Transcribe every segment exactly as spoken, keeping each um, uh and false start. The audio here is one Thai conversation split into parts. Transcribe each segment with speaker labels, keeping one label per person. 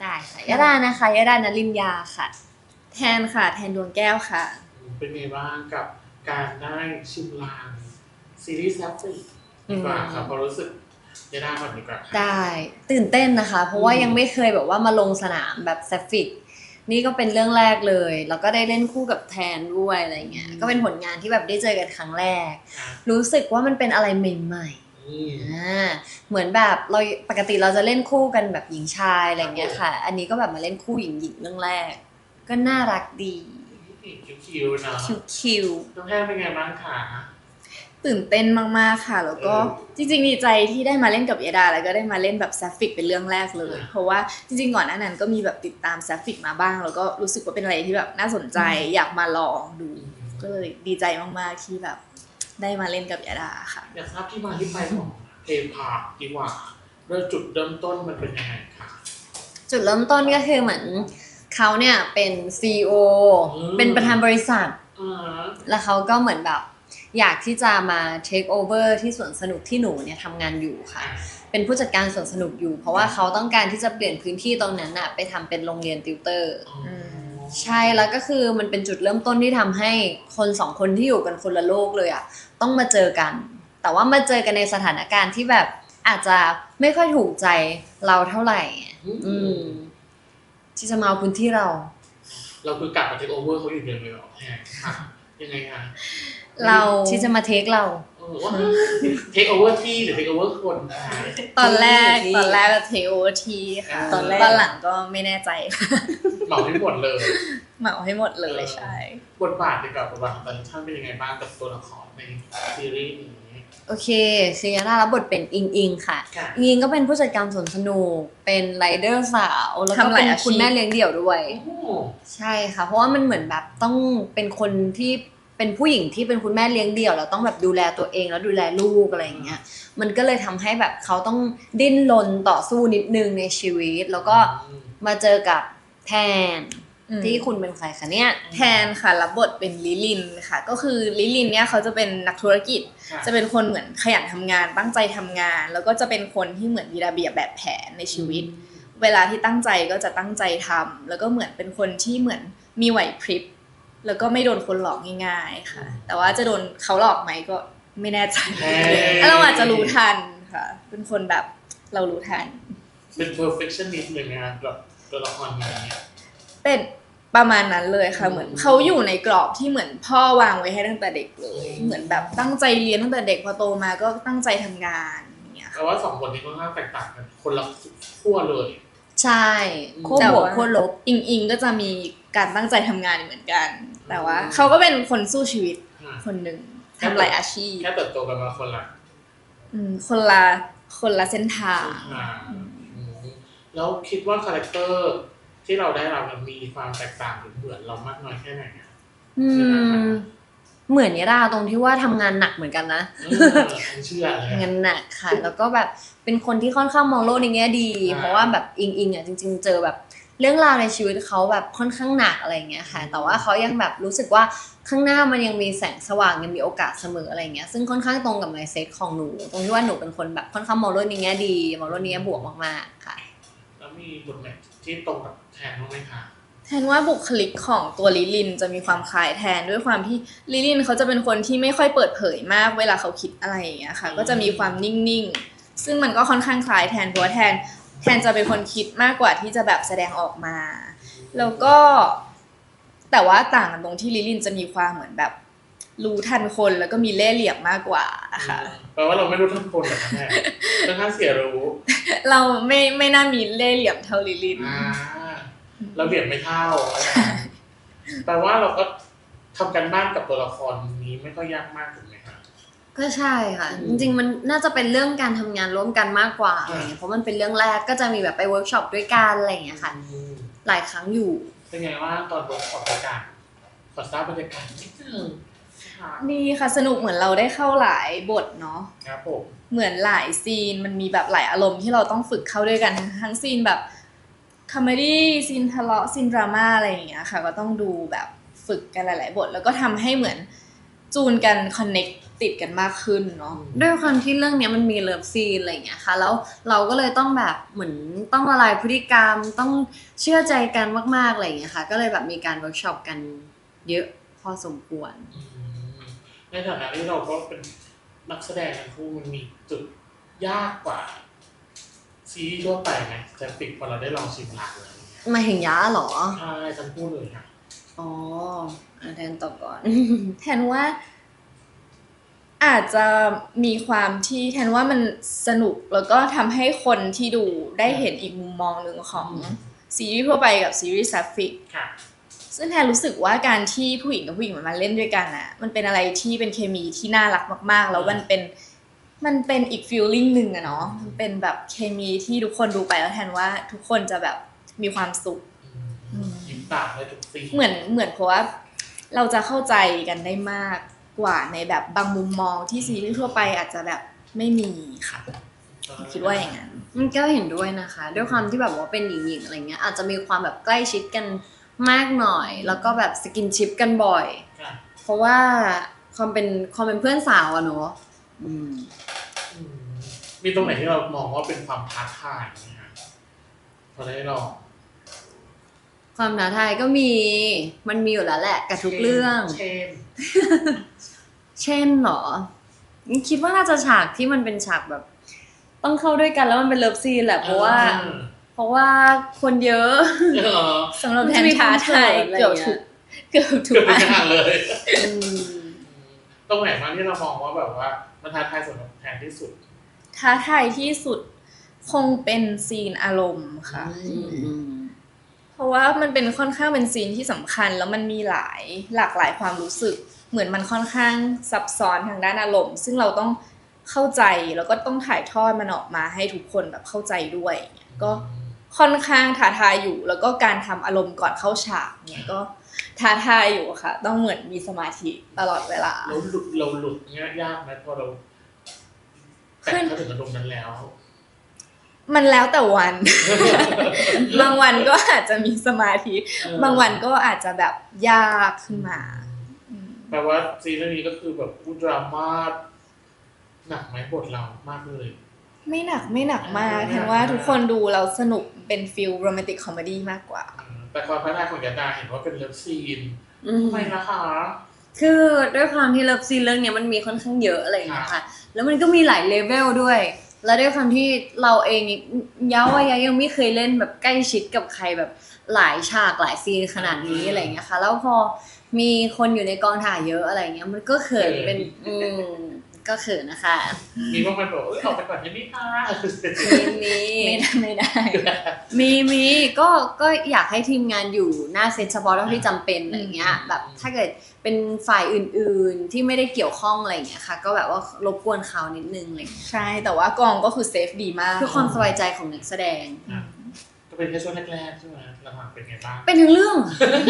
Speaker 1: ได้ค่ะยดานะคะยดานลินยาค่ะ
Speaker 2: แทนค่ะแทนดวงแก้วค่ะ
Speaker 3: เป็นไงบ้างกับการได้ชิมลางซีรีส์แซฟฟิกดีกว่าครับพอรู้สึกยดาก่อนดีกว่า
Speaker 1: ได้ตื่นเต้นนะคะเพราะว่ายังไม่เคยแบบว่ามาลงสนามแบบแซฟฟิกนี่ก็เป็นเรื่องแรกเลยแล้วก็ได้เล่นคู่กับแทนด้วยอะไรเงี้ยก็เป็นผลงานที่แบบได้เจอกันครั้งแรกรู้สึกว่ามันเป็นอะไรใหม่ๆอ่าเหมือนแบบเราปกติเราจะเล่นคู่กันแบบหญิงชายอะไรเงี้ยค่ะอันนี้ก็แบบมาเล่นคู่หญิงหญิงเรื่องแรกก็น่ารักดี
Speaker 3: คิวๆนะ
Speaker 1: คิว
Speaker 3: ๆน้องแพนเป็นไงบ้างคะ
Speaker 2: ตื่นเต้นมากๆค่ะแล้วก็จริงๆดีใจที่ได้มาเล่นกับยดาแล้วก็ได้มาเล่นแบบแซฟฟิกเป็นเรื่องแรกเลยเพราะว่าจริงๆก่อนหน้านั้นก็มีแบบติดตามแซฟฟิกมาบ้างแล้วก็รู้สึกว่าเป็นอะไรที่แบบน่าสนใจอยากมาลองดูก็เลยดีใจมากๆที่แบบได้มาเล่นกับยดาค่ะ
Speaker 3: อยากทราบที่มาที่ไปของเพลงพาร์คดีกว่าเริ่มจุดเริ่มต้นมันเป็นยังไงคะ
Speaker 1: จุดเริ่มต้นก็คือเหมือนเขาเนี่ยเป็น ซี อี โอ เป็นประธานบริษัทแล้วเขาก็เหมือนแบบอยากที่จะมา take over ที่สวนสนุกที่หนูเนี่ยทำงานอยู่ค่ะเป็นผู้จัดการสวนสนุกอยู่เพราะว่าเขาต้องการที่จะเปลี่ยนพื้นที่ตรงนั้นน่ะไปทำเป็นโรงเรียนติวเตอร์ใช่แล้วก็คือมันเป็นจุดเริ่มต้นที่ทำให้คนสองคนที่อยู่กันคนละโลกเลยอ่ะต้องมาเจอกันแต่ว่ามาเจอกันในสถานการณ์ที่แบบอาจจะไม่ค่อยถูกใจเราเท่าไหร่อืมที่จะมาเอาพื้นที่เรา
Speaker 3: เราคือกลับมาเทคโอเวอร์เขาอยู่เดียวเลยหรอแฮะยังไงคะ
Speaker 1: เราที่จะมาเทคเรา
Speaker 3: เทคโอเวอร์ที่หรือเทคโอเวอร์คน
Speaker 2: ตอนแรกตอนแรกเทคโอเวอร์ทีค่ะตอนแรกตอนหลังก็ไม่แน่ใจ
Speaker 3: เหมาให้หมดเลย
Speaker 2: เหมาให้หมดเลยใช่
Speaker 3: บทบาทดีกว่าบทบาทของแต่ละท่านเป็นยังไงบ้างกับตัวละครในซีรีส์นี้
Speaker 1: โอเคเซียร่ารับบทเป็นอิงอิงค่ะอิงอิงก็เป็นผู้จัดการสวนสนุกเป็นไรเดอร์สาวแล้วก็เป็นคุณแม่เลี้ยงเดี่ยวด้วยใช่ค่ะเพราะว่ามันเหมือนแบบต้องเป็นคนที่เป็นผู้หญิงที่เป็นคุณแม่เลี้ยงเดี่ยวแล้วต้องแบบดูแลตัวเองแล้วดูแลลูกอะไรอย่างเงี้ยมันก็เลยทำให้แบบเขาต้องดิ้นรนต่อสู้นิดนึงในชีวิตแล้วก็มาเจอกับแทนที่คุณเป็นใครคะเนี่ย
Speaker 2: แทนค่ะรับบทเป็นลิลินค่ะก็คือลิลินเนี่ยเขาจะเป็นนักธุรกิจจะเป็นคนเหมือนขยันทำงานตั้งใจทำงานแล้วก็จะเป็นคนที่เหมือนมีระเบียบแบบแผนในชีวิตเวลาที่ตั้งใจก็จะตั้งใจทำแล้วก็เหมือนเป็นคนที่เหมือนมีไหวพริบแล้วก็ไม่โดนคนหลอกง่ายๆค่ะแต่ว่าจะโดนเขาหลอกไหมก็ไม่แน่ใจเราอาจจะรู้ทันค่ะเป็นคนแบบเรารู้ทัน
Speaker 3: เป็น perfectionist เลยนะแบบตัวละครนี้
Speaker 2: เป็นประมาณนั้นเลยค่ะเหมือนเขาอยู่ในกรอบที่เหมือนพ่อวางไว้ให้ตั้งแต่เด็กเลยเหมือนแบบตั้งใจเรียนตั้งแต่เด็กพอโตมาก็ตั้งใจทำงานอย่างเงี้ย
Speaker 3: แต่ว่าสองคนนี้ค่อนข้างแตกต่างกันคนละขั้วเลย
Speaker 1: ใช่ขั้วบวกขั้วลบ
Speaker 2: อิงอิงก็จะมีการตั้งใจทำงานเหมือนกันแต่ว่าเขาก็เป็นคนสู้ชีวิตคนหนึ่งทำหลายอาชีพ
Speaker 3: แค่เติบโตกันมาคนละ
Speaker 2: อืมคนละคนละเส้นทาง
Speaker 3: แล้วคิดว่าคาแรคเตอร์ที่เราได้รับมันมีความแตกต่างหรือเหมือนเรามากน้อยแค่ไหนอ่ะ
Speaker 1: อืมเหมือนยาดาตรงที่ว่าทำงานหนักเหมือนกันนะ
Speaker 3: เชื่อเลย
Speaker 1: งานหนักค่ะแล้วก็แบบเป็นคนที่ค่อนข้างมองโลกในแง่ดีเพราะว่าแบบอิงอิงอ่ะจริงๆเจอแบบเรื่องราวในชีวิตเขาแบบค่อนข้างหนักอะไรเงี้ยค่ะแต่ว่าเขายังแบบรู้สึกว่าข้างหน้ามันยังมีแสงสว่างยังมีโอกาสเสมออะไรเงี้ยซึ่งค่อนข้างตรงกับ mindset ของหนูตรงที่ว่าหนูเป็นคนแบบค่อนข้างมองโลกในแง่ดีมองโลกในแง่บวกมากๆค่ะ
Speaker 3: แล้วมีบทแมทที่ตรงกับแทนบ้างไหมคะ
Speaker 2: แทนว่าบุคลิกของตัวลิลินจะมีความคล้ายแทนด้วยความที่ลิลินเขาจะเป็นคนที่ไม่ค่อยเปิดเผยมากเวลาเขาคิดอะไรอย่างเงี้ยค่ะก็จะมีความนิ่งๆซึ่งมันก็ค่อนข้างคล้ายแทนเพราะว่าแทนแทนจะเป็นคนคิดมากกว่าที่จะแบบแสดงออกมาแล้วก็แต่ว่าต่างกันตรงที่ลิลินจะมีความเหมือนแบบรู้ทันคนแล้วก็มีเล่ห์เหลี่ยมมากกว่าค่ะ
Speaker 3: แปลว่าเราไม่รู้ทันคนหรอกแม่ค่อนข้างเสียรู้
Speaker 2: เราไม่ไม่น่ามีเล่ห์เหลี่ยมเท่าลิลิน
Speaker 3: เราเหลี่ยมไม่เท่าแปลว่าเราก็ทำกันบ้านกับตัวละครนี้ไม่ค่อยยากมากถูกไหมคะ
Speaker 1: ก็ใช่ค่ะจริงๆมันน่าจะเป็นเรื่องการทำงานร่วมกันมากกว่าอะไรเงี้ยเพราะมันเป็นเรื่องแรกก็จะมีแบบไปเวิร์กช็อปด้วยกันอะไรอย่างเงี้ยค่ะหลายครั้งอยู่
Speaker 3: เป็นไงว่าตอนเวิร์กช็อปบรรยากาศขอทราบบรรยากาศนิดนึง
Speaker 2: ดีค่ะสนุกเหมือนเราได้เข้าหลายบทเนาะ
Speaker 3: ครับผม
Speaker 2: เหมือนหลายซีนมันมีแบบหลายอารมณ์ที่เราต้องฝึกเข้าด้วยกันทั้งซีนแบบคอมเมดี้ซีนทะเลาะซีนดราม่าอะไรอย่างเงี้ยค่ะก็ต้องดูแบบฝึกกันหลายๆบทแล้วก็ทำให้เหมือนจูนกันคอนเนคติดกันมากขึ้นเนาะ
Speaker 1: ด้วยความที่เรื่องเนี้ยมันมีเลิฟซีนอะไรอย่างเงี้ยค่ะแล้วเราก็เลยต้องแบบเหมือนต้องละลายพฤติกรรมต้องเชื่อใจกันมากๆอะไรอย่างเงี้ยค่ะก็เลยแบบมีการเวิร์กช็อปกันเยอะพอสมควร
Speaker 3: อืมในฐานะที่เราก็เป็นนักแสดงทั้งคู่มันมีจุดยากกว่าซีรีส์ทั่วไปไหมจะติดพอเราได้ลองชิมลางอะไรอย่างเงี้ย
Speaker 1: มาเห็นยาเหรอ
Speaker 3: ใช่ทั้งคู่เลยค่ะ
Speaker 1: อ๋ออ่ะแทนตอบก่อน
Speaker 2: แทนว่าอาจจะมีความที่แทนว่ามันสนุกแล้วก็ทำให้คนที่ดูได้เห็นอีกมุมมองหนึ่งของ
Speaker 3: อืม
Speaker 2: ซีรีส์ทั่วไปกับซีรีส์ซัฟฟิก
Speaker 3: ค่ะ
Speaker 2: ซึ่งแทนรู้สึกว่าการที่ผู้หญิงกับผู้หญิงมันมาเล่นด้วยกันอ่ะมันเป็นอะไรที่เป็นเคมีที่น่ารักมากๆ แล้วมันเป็นมันเป็นอีกฟีลลิ่งหนึ่งอะเนาะมันเป็นแบบเคมีที่ทุกคนดูไปแล้วแทนว่าทุกคนจะแบบมีความสุข
Speaker 3: อืมยิ้มตามได้ทุกซีน
Speaker 2: เหมือนเหมือนเพราะว่าเราจะเข้าใจกันได้มากกว่าในแบบบางมุมมองที่ซีรีส์ทั่วไปอาจจะแบบไม่มีค่ะคิดว่าอย่างนั้น
Speaker 1: มันก็เห็นด้วยนะคะ ด้วยความที่แบบว่าเป็นหญิงๆอะไรเงี้ยอาจจะมีความแบบใกล้ชิดกันมากหน่อย แล้วก็แบบสกินชิปกันบ่อย
Speaker 3: ค่ะ
Speaker 1: เพราะว่าความเป็นความเป็นเพื่อนสาวอะเนาะอืม
Speaker 3: อืมมีตรงไหนที่เรามองว่าเป็นความท้าทายไหมคะพอได้ลอง
Speaker 1: ความท้าทายก็มีมันมีอยู่แล้วแหละกับทุกเรื่อง
Speaker 3: เช่น
Speaker 1: เช่นเหรอคิดว่าน่าจะฉากที่มันเป็นฉากแบบ ต้องเข้าด้วยกันแล้วมันเป็นเลิฟซีนแหละเพราะว่า เพราะว่าคนเยอะ
Speaker 3: เออ
Speaker 2: สำหรับแทนท้าทายเกือบทุกเกือบทุ
Speaker 3: เกื
Speaker 2: ก
Speaker 3: อบทุ
Speaker 2: อั
Speaker 3: ก
Speaker 2: น
Speaker 3: อย่างเลย
Speaker 1: อืม
Speaker 3: ตรงไหนบ้างที่เรามองว่าแบบว่ามันท้าทายสำหรับแทนที่สุด
Speaker 2: ท้าทายที่สุดคงเป็นซีนอารมณ์ค่ะ
Speaker 1: อืม
Speaker 2: เพราะว่ามันเป็นค่อนข้างเป็นซีนที่สำคัญแล้วมันมีหลายหลากหลายความรู้สึก เหมือนมันค่อนข้างซับซ้อนทางด้านอารมณ์ ซึ่งเราต้องเข้าใจแล้วก็ต้องถ่ายทอดมันออกมาให้ทุกคนแบบเข้าใจด้วยก็ค่อนข้างท้าทายอยู่ แล้วก็การทำอารมณ์ก่อนเข้าฉากเนี่ยก็ท้าทายอยู่ค่ะ ต้องเหมือนมีสมาธิตลอดเวลา
Speaker 3: เราหลุดเราหลุดเงี้ยยากไหมพอเราแตะเข้าถึงอารมณ์นั้นแล้ว
Speaker 2: มันแล้วแต่วัน บางวันก็อาจจะมีสมาธิ
Speaker 3: เออบ
Speaker 2: างวันก็อาจจะแบบยากขึ้นมาอืม
Speaker 3: แปลว่าซีรีส์นี้ก็คือแบบอุดราม่าหนักไหมบทเรามากเลย
Speaker 2: ไม่หนักไม่หนักมาก
Speaker 3: ไม่หนัก
Speaker 2: แทนว่าทุกคนดูเราสนุกเป็นฟิลโรแมนติกคอมเมดี้มากกว่า
Speaker 3: แต่ความพัฒนาของยาดาเห็นว่าเป็นเลิฟซีน
Speaker 1: อืม
Speaker 3: ทำไมนะคะ
Speaker 1: คือด้วยความที่เลิฟซีนเรื่องเนี้ยมันมีค่อนข้างเยอะอะไรอย่างเงี้ยค่ะ แล้วมันก็มีหลายเลเวลด้วย แล้วด้วยความที่เราเองย้าว่ายายังไม่เคยเล่นแบบใกล้ชิดกับใครแบบหลายฉากหลายซีนขนาดนี้อะไรอย่างเงี้ยค่ะ แล้วพอมีคนอยู่ในกองถ่ายเยอะอะไรเงี้ย มันก็เขินเป็นอืมก็เขินนะคะ
Speaker 3: มีบางคนบอกเอ้ยออกไปก่อนได้ไหมคะ
Speaker 1: มี
Speaker 2: ไม่ได้ไม่ได้
Speaker 1: มีมีก็ก็อยากให้ทีมงานอยู่หน้าเซตเฉพาะเท่าที่จำเป็นอะไรเงี้ย แบบถ้าเกิดเป็นฝ่ายอื่นๆที่ไม่ได้เกี่ยวข้องอะไรเงี้ยค่ะ ก็แบบว่ารบกวนเขานิดนึงอะไรเลย
Speaker 2: ใช่แต่ว่ากองก็คือเซฟดีมาก
Speaker 1: เพื่อความสบายใจของนักแสดง
Speaker 3: อ่ะก็เป็นแค่ช่วงแรกๆใช่ไหมหลังๆเป็นไงบ้าง
Speaker 1: เป็นทั้งเรื่อง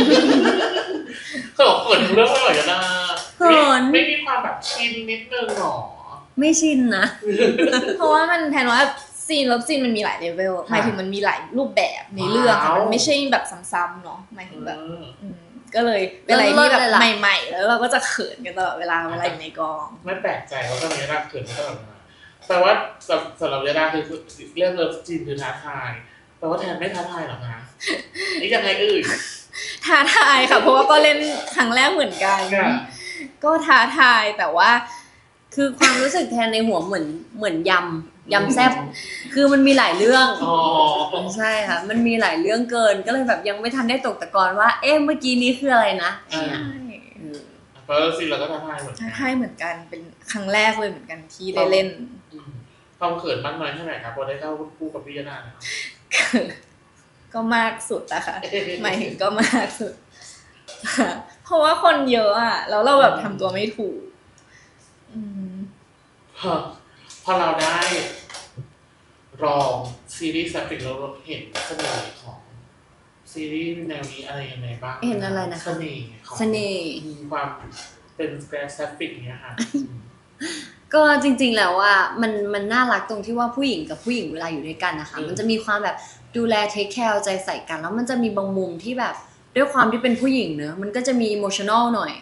Speaker 3: เขาบอกเขินเรื่องอะไรกันนะ
Speaker 1: เขิน
Speaker 3: ไม่มีความแบบชินนิดนึงหรอ
Speaker 1: ไม่ชินนะ
Speaker 2: เพราะว่ามันแทนว่าซีนลบซีนมันมีหลายเลเวลหมายถึงมันมีหลายรูปแบบในเรื่องค่ะมันไม่ใช่แบบซ้ำๆเนาะหมายถึงแบบ
Speaker 3: อืม
Speaker 2: อืมก็เลยเป็นอะไรที่แบบ
Speaker 1: เลิศเลยล่ะ
Speaker 2: ใหม่ๆ แล้วเราก็จะเขินกันตลอดเวลาเวลาอยู่ในกอง
Speaker 3: ไม่แปลกใจว่าทำไมยาดาเขินมาตลอดเวลาแปลว่าสำสำหรับยาดาคือเรื่องเลิฟจีนคือท้าทายแปลว่าแทนไม่ท้าทายหรอคะนี่ยังไงเอ่ย
Speaker 2: ท้าทายค่ะ เพราะว่าก็เล่นครั้งแรกเหมือนกัน
Speaker 3: ค่ะ
Speaker 2: ก็ท้าทายแต่ว่า
Speaker 1: คือความรู้สึกแทนในหัวเหมือนเหมือนยำยำแซ่บคือมันมีหลายเรื่อง
Speaker 3: อ๋อ
Speaker 1: ใช่ค่ะ มันมีหลายเรื่องเกิน ก็เลยแบบยังไม่ทันได้ตกตะกอนว่า เอ๊ะเมื่อกี้นี้คืออะไรนะ
Speaker 3: อ่า
Speaker 2: ใช่
Speaker 1: อืม
Speaker 3: แปลว่าซีนเราก็ท้าทายเหมือนกั
Speaker 2: ท้าน ทายเหมือนกันเป็นครั้งแรกเลยเหมือนกันที่ได้เล่น
Speaker 3: อืมความเขินมากน้อยแค่ไหนครับพอได้เข้าคู่กับพี่ยาดาเนี่ย
Speaker 2: ก็มากสุดอะค่ะ หมายถึงก็มากสุด เพราะว่าคนเยอะอะแล้วเราแบบทำตัวไม่ถูก อืม
Speaker 3: พอพอเราได้ลองซีรีส์แซฟิกเราเห็นเสน่ห์ของซีรีส์แนวนี้อะไรยังไงบ้าง
Speaker 1: เห็นอะไรนะคะ
Speaker 3: เสน่ห์ของ
Speaker 1: เสน่ห์
Speaker 3: มีความเป็นแกรแซฟิกเนี้ยค่ะ
Speaker 1: ก็จริงๆแล้วว่ามันมันน่ารักตรงที่ว่าผู้หญิงกับผู้หญิงเวลาอยู่ด้วยกันนะคะ
Speaker 3: อืม
Speaker 1: มันจะมีความแบบดูแลเทคแคร์ใจใส่กัน แล้วมันจะมีบางมุมที่แบบด้วยความที่เป็นผู้หญิงเนอะมันก็จะมีอิโมชันอลหน่อย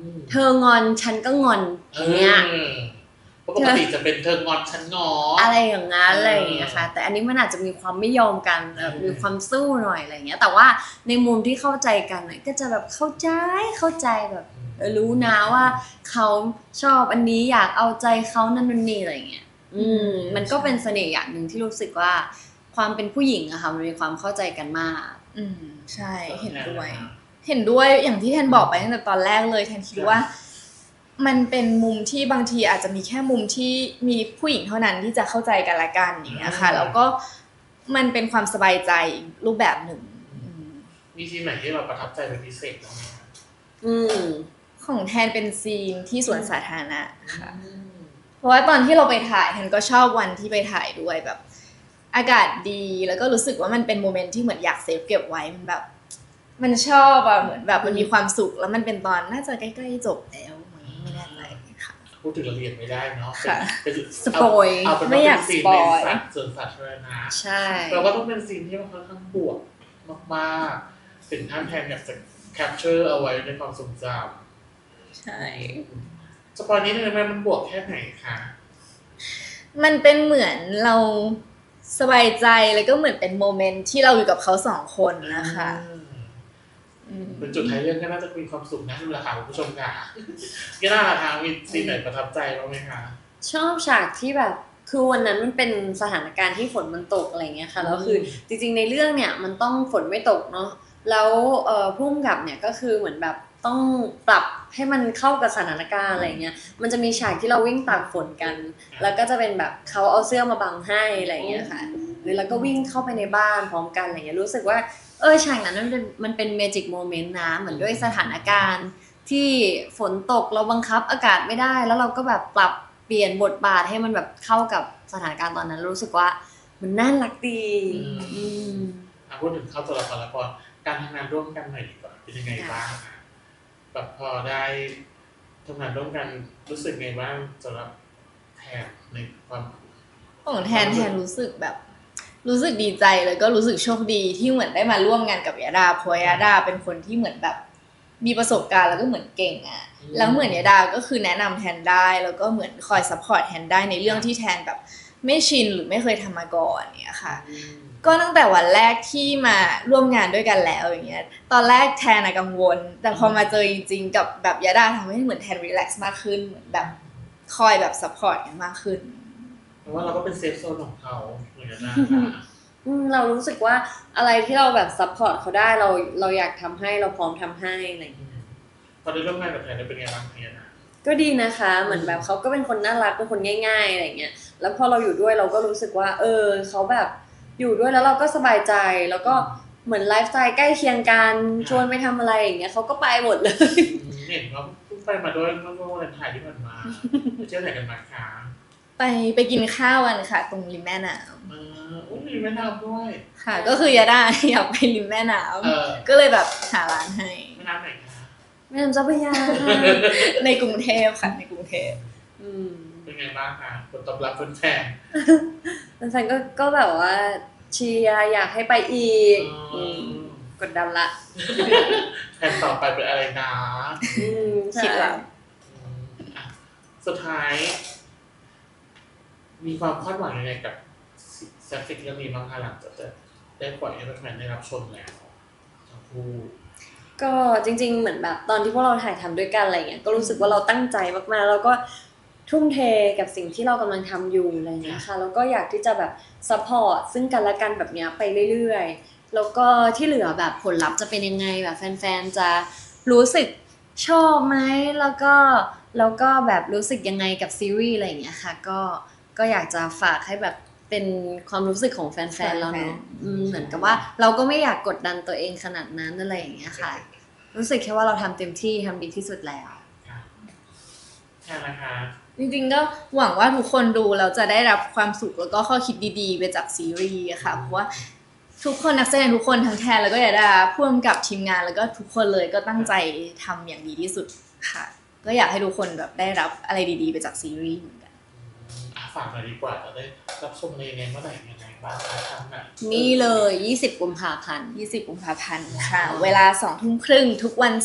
Speaker 3: ม
Speaker 1: เธองอนฉันก็งอนอย่างเงี้ย
Speaker 3: ออเพราะปกติจะเป็นเธองอนฉันงออ
Speaker 1: อะไรอย่างงั้น
Speaker 3: เอออ
Speaker 1: อะไรอย่างเงี้ยค่ะแต่อันนี้มันอาจจะมีความไม่ยอมกันแบบ
Speaker 3: อืม
Speaker 1: มีความสู้หน่อยอะไรอย่างเงี้ยแต่ว่าในมุมที่เข้าใจกันน่ะก็จะแบบเข้าใจเข้าใจแบบเออรู้นะว่าเขาชอบอันนี้อยากเอาใจเขานั่นนู่นนี่อะไรอย่างเงี้ยอืมมันก็เป็นเสน่ห์อย่างหนึ่งที่รู้สึกว่า ความเป็นผู้หญิงอะค่ะมันมีความเข้าใจกันมาก
Speaker 2: อืมใช่เห็นด้วย เห็นด้วยอย่างที่แทนบอกไปตั้งแต่ตอนแรกเลยแทนคิดว่า มันเป็นมุมที่บางทีอาจจะมีแค่มุมที่มีผู้หญิงเท่านั้นที่จะเข้าใจกันละกันอย่างเงี้ยค่ะ แล้วก็มันเป็นความสบายใจอีกรูปแบบหนึ่งอืม
Speaker 3: มีซีนไหนที่เราประทับใจเป็นพิเศษบ้างไหมคะ
Speaker 1: อืม
Speaker 2: ของแทนเป็นซีนที่สวนสาธารณะค่ะ
Speaker 3: อืม
Speaker 2: เพราะว่าตอนที่เราไปถ่ายแทนก็ชอบวันที่ไปถ่ายด้วยแบบ อากาศดีแล้วก็รู้สึกว่ามันเป็นโมเมนต์ที่เหมือนอยากเซฟเก็บไว้มันแบบ มันชอบอะเหมือนแบบมันมีความสุขแล้วมันเป็นตอนน่าจะใกล้ๆจบแล้วมั้งไม่แน่ใจค่ะ
Speaker 3: พูดถึงรายละเอียดไม่ได้เนาะ
Speaker 2: ค่ะ
Speaker 3: เป็น
Speaker 1: สปอย
Speaker 3: เาเป็น
Speaker 2: ไม่
Speaker 3: ว่า
Speaker 2: อยาก
Speaker 3: เป็นซีน
Speaker 2: สป
Speaker 3: ใน
Speaker 2: อย
Speaker 3: สาส่วนสาธารณะ
Speaker 1: ใช่
Speaker 3: เราก็ต้องเป็นซีนที่มันค่อนข้างบวกมากๆถึงท่านแทนอยากจะแคปเจอร์เอาไว้ในความทรงจ
Speaker 2: ใช่
Speaker 3: ำสปอยนี้เลยไหมมันบวกแค่ไหนคะ
Speaker 2: มันเป็นเหมือนเราสบายใจแล้วก็เหมือนเป็นโมเมนต์ที่เราอยู่กับเขาสองคนนะคะ
Speaker 3: อืม
Speaker 2: อืม
Speaker 3: เป็นจุดท้ายเรื่องก็น่าจะมีความสุขนะดูแลค่ะคุณผู้ชมค่ะก็น่าละค่ะมีซีนไหนประทับใจบ้างไหมคะ
Speaker 1: ชอบฉากที่แบบคือวันนั้นมันเป็นสถานการณ์ที่ฝนมันตกอะไรเงี้ยค่ะแล้วคือจริงๆในเรื่องเนี่ยมันต้องฝนไม่ตกเนาะแล้วเอ่อพุ่มกับเนี่ยก็คือเหมือนแบบต้องปรับให้มันเข้ากับสถานการณ์อะไรเงี้ยมันจะมีฉากที่เราวิ่งตากฝนกัน แล้วก็จะเป็นแบบเขาเอาเสื้อมาบังให้อะไรเงี้ยค่ะหรือแล้วก็วิ่งเข้าไปในบ้านพร้อมกันอะไรเงี้ยรู้สึกว่าเออฉากนั้นมันเป็นมันเป็นเมจิกโมเมนต์นะเหมือนด้วยสถานการณ์ที่ฝนตกเราบังคับอากาศไม่ได้แล้วเราก็แบบปรับเปลี่ยนบทบาทให้มันแบบเข้ากับสถานการณ์ตอนนั้นรู้สึกว่ามันน่ารักดีอืม
Speaker 3: อ่ะพูดถึงเข้าตัวละครละครการทำงานร่วมกันหน่อยดีกว่าเป็นยังไงบ้างคะแบบพอได้ทำงานร่วมกันรู้สึกไงบ้างสำหรับแทนในความ
Speaker 2: ของแทนแทนรู้สึกแบบ รู้สึกดีใจแล้วก็รู้สึกโชคดีที่เหมือนได้มาร่วมงานกับยาดาเพราะยาดาเป็นคนที่เหมือนแบบ มีประสบการณ์แล้วก็เหมือนเก่งอะแล้วเหมือนยาดาก็คือแนะนำแทนได้แล้วก็เหมือนคอยซัพพอร์ตแทนได้ในเรื่องที่แทนแบบ ไม่ชินหรือไม่เคยทำมาก่อนเนี่ยค่ะ
Speaker 3: อืม
Speaker 2: ก็ตั้งแต่วันแรกที่มาร่วมงานด้วยกันแล้วอย่างเงี้ย ตอนแรกแทนอะกังวล แต่พอมาเจอจริงๆกับแบบยาดาทำให้เหมือนแทนรีแลกซ์มากขึ้นเหมือนแบบคอยแบบซัพพอร์ตกันมากขึ้น
Speaker 3: เพราะว่าเราก็เป็นเซฟโซนของเขาเหมือนกันนะคะ
Speaker 1: อืมเรารู้สึกว่าอะไรที่เราแบบซัพพอร์ตเขาได้เราเราอยากทำให้เราพร้อมทำให้อะไรอย่างเงี้ย
Speaker 3: พอได้ร่วมงานกับแทนได้เป็นไงบ้างเนี่ยนะ
Speaker 1: ก็ดีนะคะเหมือนแบบเขาก็เป็นคนน่ารักเป็นคนง่ายๆอะไรอย่างเงี้ยแล้วพอเราอยู่ด้วยเราก็รู้สึกว่า เออเขาแบบอยู่ด้วยแล้วเราก็สบายใจแล้วก็เหมือนไลฟ์สไตล์ใกล้เคียงกันชวนไปทำอะไรอย่างเงี้ยเขาก็ไปหมดเลย
Speaker 3: อืมเห็นว่าเพิ่งไปมาด้วยเมื่อวันถ่ายที่ผ่านมาไปเที่ยวไหนกันมาคะ
Speaker 2: ไปไปกินข้าวกันค่ะ ตรงริมแม่น้
Speaker 3: เอออุ้ยมีแม่น้ำด้วย
Speaker 2: ำค่ะ ก็คือยาดาอยากไปริมแม่น้
Speaker 3: เออ
Speaker 2: ำก็เลยแบบหาร้านให้
Speaker 3: แม่น้ำไหนคะ
Speaker 1: แม่น้ำเจ้าพระยา
Speaker 2: ในกรุงเทพค่ะในกรุงเทพ
Speaker 1: อืม
Speaker 3: เป็นไงบ้างคะผลตอบรับแฟน
Speaker 1: แฟนๆก็ก็แบบว่าเชียร์อยากให้ไปอีก
Speaker 3: ๆ
Speaker 1: อื
Speaker 3: อื
Speaker 1: ม
Speaker 3: ม
Speaker 1: กดดันละ
Speaker 3: แผนต่อไปเป็นอะไรนะ
Speaker 1: อืม
Speaker 2: คิดว่า
Speaker 3: อืมอ่ะสุดท้าย มีความคาดหวังยังไงกับแซฟฟิกเรื่องนี้บ้างคะหลังจากจะได้ปล่อยให้แฟนๆได้รับชมแล้วทั้งคู่
Speaker 1: ก็จริงๆเหมือนแบบตอนที่พวกเราถ่ายทำด้วยกันอะไรเงี้ยก็รู้สึกว่าเราตั้งใจมากๆแล้วก็ทุ่มเทกับสิ่งที่เรากำลังทำอยู่อะไรเงี้ยค่ะแล้วก็อยากที่จะแบบซัพพอร์ตซึ่งกันและกันแบบเนี้ยไปเรื่อยๆแล้วก็ที่เหลือแบบผลลัพธ์จะเป็นยังไงแบบแฟนๆจะรู้สึกชอบไหมแล้วก็แล้วก็แบบรู้สึกยังไงกับซีรีส์อะไรอย่างเงี้ยค่ะก็ก็อยากจะฝากให้แบบเป็นความรู้สึกของแฟนๆเราเนาะอืมเหมือนกับว่าเราก็ไม่อยากกดดันตัวเองขนาดนั้นอะไรอย่างเงี้ยค่ะ รู้สึกแค่ว่าเราทำเต็มที่ทำดีที่สุดแล้ว
Speaker 3: ค่ะใช่นะคะ
Speaker 2: จริงๆก็หวังว่าทุกคนดูแล้วจะได้รับความสุขแล้วก็ข้อคิดดีๆไปจากซีรีส์อะค่ะเพราะว่าทุกคนนักแสดงทุกคนทั้งแทนแล้วก็ยาดาพ่วงกับทีมงานแล้วก็ทุกคนเลยก็ตั้งใจทำอย่างดีที่สุดค่ะ ก็อยากให้ทุกคนแบบได้รับอะไรดีๆไปจากซีรีส์เหมือนกัน
Speaker 3: อ่ะฝากหน่อยดีกว่าจะได้รับชมในยังไงเมื่อไหร่ยังไงบ้างคะทางไหน
Speaker 1: นี่เลยยี่สิบกุมภาพันธ์
Speaker 2: ยี่สิบกุมภาพันธ์ค่ะ เวลาสองทุ่มครึ่งทุกวันศุกร์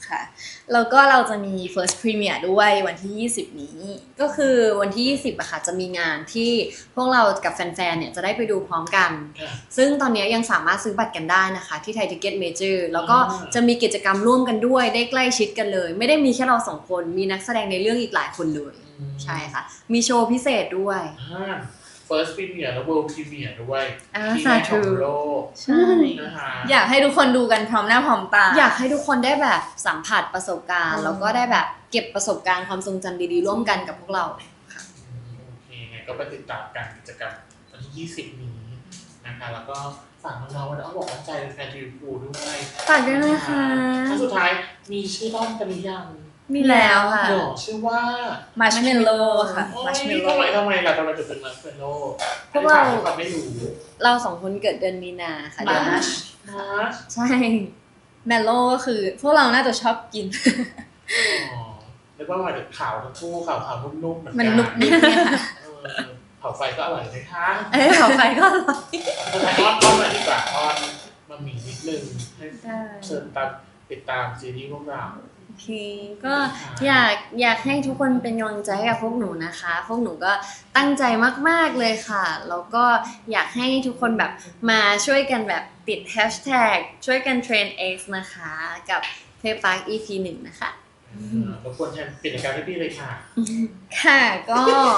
Speaker 2: ค่ะแล้วก็เราจะมี first premiere ด้วยวันที่ยี่สิบนี้
Speaker 1: ก็คือวันที่ยี่สิบอะค่ะจะมีงานที่พวกเรากับแฟนๆเนี่ยจะได้ไปดูพร้อมกัน
Speaker 3: ค่ะ
Speaker 1: ซึ่งตอนนี้ยังสามารถซื้อบัตรกันได้นะคะที่ไทยทิเก็ตเมเจอร์แล้วก็จะมีกิจกรรมร่วมกันด้วยได้ใกล้ชิดกันเลย ไม่ได้มีแค่เราสองคนมีนักแสดงในเรื่องอีกหลายคนเลย ใช่ค่ะมีโชว์พิเศษด้วย
Speaker 3: อ่า first premiere และ world premiere ด้วย
Speaker 1: อ่า
Speaker 3: ที่แรกของ
Speaker 1: สาธุ
Speaker 3: โลก
Speaker 2: ใช่
Speaker 3: นะคะ
Speaker 2: อยากให้ทุกคนดูกันพร้อมหน้าพร้อมตา
Speaker 1: อยากให้ทุกคนได้แบบสัมผัสประสบการณ์
Speaker 2: อืม
Speaker 1: แล้วก็ได้แบบเก็บประสบการณ์ความทรงจำดีๆร่วมกันกับพวกเรา
Speaker 3: โอเคไงก็ไปติดตามการกิจกรรมวันที่ยี่สิบนี้นะคะแล้วก็ฝากน้องๆวันนี้เอาบอกว่าใจแฟนทีวีพูด้วย
Speaker 1: ฝากด้วยนะคะ
Speaker 3: ครั้งสุดท้ายมีชื่อด้อมกันหรือยัง
Speaker 1: มีแล้วค่ะ
Speaker 3: หรอชื่อว่า
Speaker 2: marshmallow ค่ะ
Speaker 3: โอ้ย
Speaker 2: marshmallow
Speaker 3: ทำไมทำไมล่ะทำไมถึงเป็นมาร์ชเมลโล่
Speaker 1: พวกเรา
Speaker 3: เราไม่รู้
Speaker 1: เราสองคนเกิดเดือนมีนาค่ะเดือนหน้า
Speaker 2: March
Speaker 3: มาร์ช
Speaker 1: ใช่
Speaker 2: mellow ก็คือพวกเราน่าจะชอบกิน
Speaker 3: อ๋อเรียกว่าหมายถึงขาวทั้งคู่ขาวขาวๆนุ่มๆเหมือนกั
Speaker 2: มันนุบนิบเนี่ยค่ะ
Speaker 3: เออเผาไฟก็อร่อยไหมคะ
Speaker 1: เอ้ยเขาไปก็อร่อย
Speaker 3: สุดท้ายอ้อนอ้อนหน่อยดีกว่าอ้อนมามีนิดนึงให้
Speaker 1: ได้
Speaker 3: เชิญตามติดตามซีรีส์พวกเรา
Speaker 1: โอเคก็อยากอยากให้ทุกคนเป็นกำลังใจให้กับพวกหนูนะคะ พวกหนูก็ตั้งใจมากๆเลยค่ะ แล้วก็อยากให้ทุกคนแบบมาช่วยกันแบบติดแฮชแท็กช่วยกันเทรน X นะคะกับ Playpark อี พี หนึ่งนะคะ
Speaker 3: รบกวนแทนปิดรายการให้พี่เลยค่ะ
Speaker 2: ค่ะก็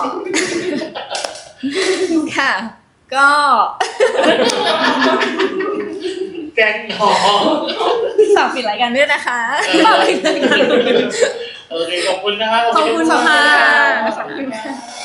Speaker 2: ค่ะ ก็
Speaker 3: แกงหอม
Speaker 2: ฝากปิดรายการด้วยนะคะ
Speaker 3: โอเคขอบคุณนะคะ
Speaker 1: ขอบคุณค่ะ
Speaker 2: ขอบคุณค่ะ